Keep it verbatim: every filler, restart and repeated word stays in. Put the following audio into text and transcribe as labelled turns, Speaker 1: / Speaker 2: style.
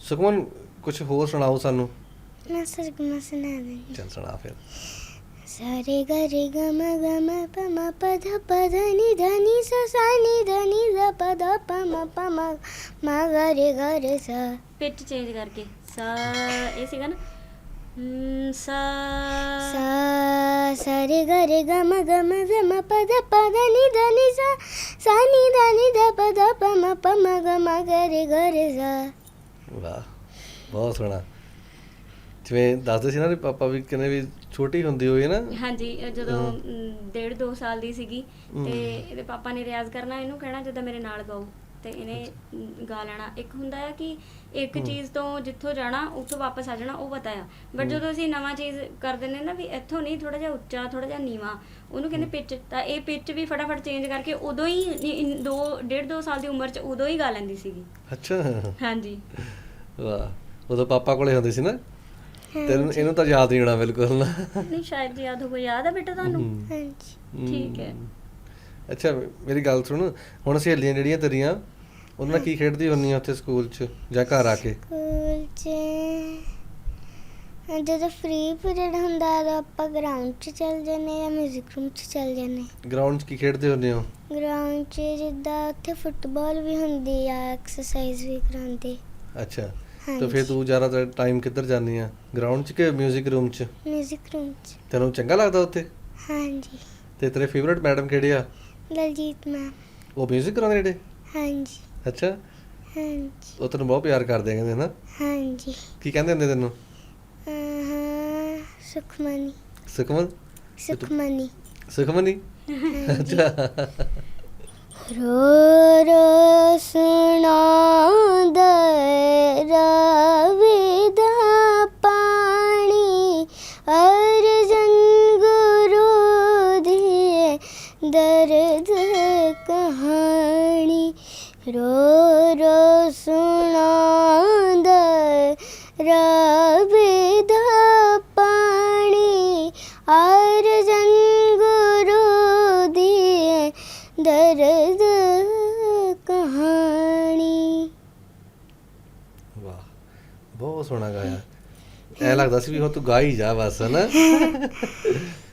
Speaker 1: ਸੁਖਮਨ ਕੁਝ ਹੋਰ ਸੁਣਾਓ ਸਾਨੂੰ।
Speaker 2: मैं सरगमा सुना दूंगी।
Speaker 1: ਚੱਲ ਸੁਣਾ ਫਿਰ।
Speaker 2: सारे ग रे ग म ग म प म प ध प ध नि ध नि सा सा नि ध नि ध प ध प म प म म ग रे ग रे सा।
Speaker 3: ਪਿਚ ਚੇਂਜ ਕਰਕੇ ਸਾ ਇਹ ਸੀਗਾ ਨਾ ਹਮ, ਸਾ
Speaker 2: सा सा रे ग रे ग म ग म ध म प ध प ध नि ध नि सा सा नि ध नि ध प ध प म प म ग म ग रे ग रे सा।
Speaker 1: ਵਾਹ ਬਹੁਤ ਸੋਹਣਾ। ਜਿਵੇਂ ਦੱਸਦੇ ਸੀ ਨਾ ਵੀ ਪਾਪਾ ਵੀ ਕਹਿੰਦੇ ਵੀ ਛੋਟੀ ਹੁੰਦੀ ਹੋਈ ਨਾ।
Speaker 3: ਹਾਂਜੀ ਇਹ ਜਦੋਂ
Speaker 1: ਹਮ।
Speaker 3: ਅਮ, ਡੇਢ ਦੋ ਸਾਲ ਦੀ ਸੀਗੀ
Speaker 1: ਹਮ।
Speaker 3: ਤੇ ਇਹਦੇ ਪਾਪਾ ਨੇ ਰਿਆਜ਼ ਕਰਨਾ, ਇਹਨੂੰ ਕਹਿਣਾ ਜਿੱਦਾਂ ਮੇਰੇ ਨਾਲ ਗਾਓ ਤੇ ਇਹਨੇ ਅਮ, ਗਾ ਲੈਣਾ। ਇੱਕ ਹੁੰਦਾ ਆ ਕਿ ਇੱਕ
Speaker 1: ਹਮ।
Speaker 3: ਚੀਜ਼ ਤੋਂ ਜਿੱਥੋਂ ਜਾਣਾ ਉੱਥੋਂ ਵਾਪਸ ਆ ਜਾਣਾ, ਉਹ ਪਤਾ ਆ। But
Speaker 1: hmm.
Speaker 3: ਜਦੋਂ ਅਸੀਂ ਨਵਾਂ ਚੀਜ਼ ਕਰ ਦਿੰਦੇ ਨਾ ਵੀ ਇੱਥੋਂ ਨਹੀਂ, ਥੋੜਾ ਜਿਹਾ ਉੱਚਾ ਥੋੜਾ ਜਿਹਾ ਨੀਵਾਂ, ਉਹਨੂੰ ਕਹਿੰਦੇ ਪਿਚ। ਤਾਂ ਇਹ ਪਿਚ ਵੀ ਫਟਾਫਟ ਚੇਂਜ ਕਰਕੇ ਉਦੋਂ ਹੀ ਇ- ਇ- ਦੋ ਡੇਢ ਦੋ ਸਾਲ ਦੀ ਉਮਰ 'ਚ ਉਦੋਂ ਹੀ ਗਾ ਲੈਂਦੀ ਸੀਗੀ।
Speaker 1: ਅੱਛਾ।
Speaker 3: ਹਾਂਜੀ
Speaker 1: ਵਾਹ ਉਦੋਂ ਪਾਪਾ ਕੋਲੇ ਹੁੰਦੇ ਸੀ ਨਾ। ਤੈਨੂੰ
Speaker 2: ਹਾਂਜੀ
Speaker 1: ਇਹਨੂੰ ਤਾਂ ਯਾਦ ਨਹੀਂ ਹੋਣਾ ਬਿਲਕੁਲ ਨਾ।
Speaker 3: ਨਹੀਂ ਸ਼ਾਇਦ ਯਾਦ ਹੋਵੇ। ਯਾਦ ਆ ਬੇਟਾ ਤੁਹਾਨੂੰ?
Speaker 1: ਹਮ।
Speaker 2: ਹਾਂਜੀ
Speaker 3: ਠੀਕ ਹੈ।
Speaker 1: ਹਮ। ਅੱਛਾ ਮੇਰੀ ਗੱਲ ਸੁਣ, ਹੁਣ ਸਹੇਲੀਆਂ ਜਿਹੜੀਆਂ ਤੇਰੀਆਂ ਉਹਨਾਂ ਨਾਲ ਕੀ ਖੇਡਦੀ ਹੁੰਦੀ ਆ ਉੱਥੇ ਸਕੂਲ 'ਚ ਜਾਂ ਘਰ ਆ ਕੇ?
Speaker 2: ਸਕੂਲ 'ਚ ਜਦੋਂ ਫ੍ਰੀ ਪੀਰੀਅਡ ਹੁੰਦਾ ਉਦੋਂ ਆਪਾਂ ਗਰਾਊਂਡ 'ਚ ਚੱਲ ਜਾਂਦੇ ਜਾਂ ਮਿਊਜ਼ਿਕ ਰੂਮ 'ਚ ਚੱਲ ਜਾਂਦੇ।
Speaker 1: ਗਰਾਊਂਡ 'ਚ ਕੀ ਖੇਡਦੇ ਹੁੰਦੇ ਹੋ?
Speaker 2: ਗਰਾਊਂਡ 'ਚ ਜਿੱਦਾਂ ਉੱਥੇ ਫੁੱਟਬਾਲ ਵੀ ਹੁੰਦੀ ਆ, ਐਕਸਰਸਾਈਜ਼ ਵੀ ਕਰਾਉਂਦੇ।
Speaker 1: ਅੱਛਾ ਤਾਂ
Speaker 2: ਹਾਂਜੀ
Speaker 1: ਫਿਰ ਤੂੰ ਜ਼ਿਆਦਾਤਰ ਟਾਈਮ ਕਿੱਧਰ ਜਾਂਦੀ ਆ, ਗਰਾਊਂਡ 'ਚ ਕਿ ਮਿਊਜ਼ਿਕ ਰੂਮ 'ਚ?
Speaker 2: ਮਿਊਜ਼ਿਕ ਰੂਮ 'ਚ।
Speaker 1: ਤੈਨੂੰ ਚੰਗਾ ਲੱਗਦਾ ਉੱਥੇ?
Speaker 2: ਹਾਂਜੀ
Speaker 1: ਤੇ ਤੇਰੇ ਫੇਵਰਟ ਮੈਡਮ ਕਿਹੜੇ ਆ?
Speaker 2: ਦਲਜੀਤ ਮੈਮ।
Speaker 1: ਉਹ ਮਿਊਜ਼ਿਕ ਕਰਾਉਂਦੇ ਜਿਹੜੇ?
Speaker 2: ਹਾਂਜੀ
Speaker 1: ਅੱਛਾ
Speaker 2: ਹਾਂਜੀ
Speaker 1: ਉਹ ਤੈਨੂੰ ਬਹੁਤ ਪਿਆਰ ਕਰਦੇ ਆ ਕਹਿੰਦੇ ਨਾ।
Speaker 2: ਹਾਂਜੀ
Speaker 1: ਕੀ ਕਹਿੰਦੇ ਹੁੰਦੇ ਤੈਨੂੰ?
Speaker 2: ਅਹ, ਸੁਖਮਨੀ
Speaker 1: ਸੁਖਮਨ?
Speaker 2: ਸੁਖਮਨੀ।
Speaker 1: ਸੁਖਮਨੀ?
Speaker 2: ਹਾਂਜੀ
Speaker 1: ਅੱਛਾ
Speaker 2: ਰੋ ਰੋ ਸੁਣਾਉਂਦਾ ਰਾਵੇ ਦਾ ਪਾਣੀ, ਅਰਜਨ ਗੁਰੂ ਦੀ ਦਰਦ ਕਹਾਣੀ। ਰੋ ਰੋ ਸੁਣਾਉਂਦਾ ਰਾਵੇ ਦਾ ਪਾਣੀ, ਅਰਜਨ ਗੁਰੂ ਦੀ ਦਰਦ ਕਹਾਣੀ।
Speaker 1: ਵਾਹ ਬਹੁਤ ਸੋਹਣਾ ਗਾਇਆ। ਐ ਲੱਗਦਾ ਸੀ ਵੀ ਹੁਣ ਤੂੰ ਗਾ ਹੀ ਜਾ ਬਸ ਹਨਾ।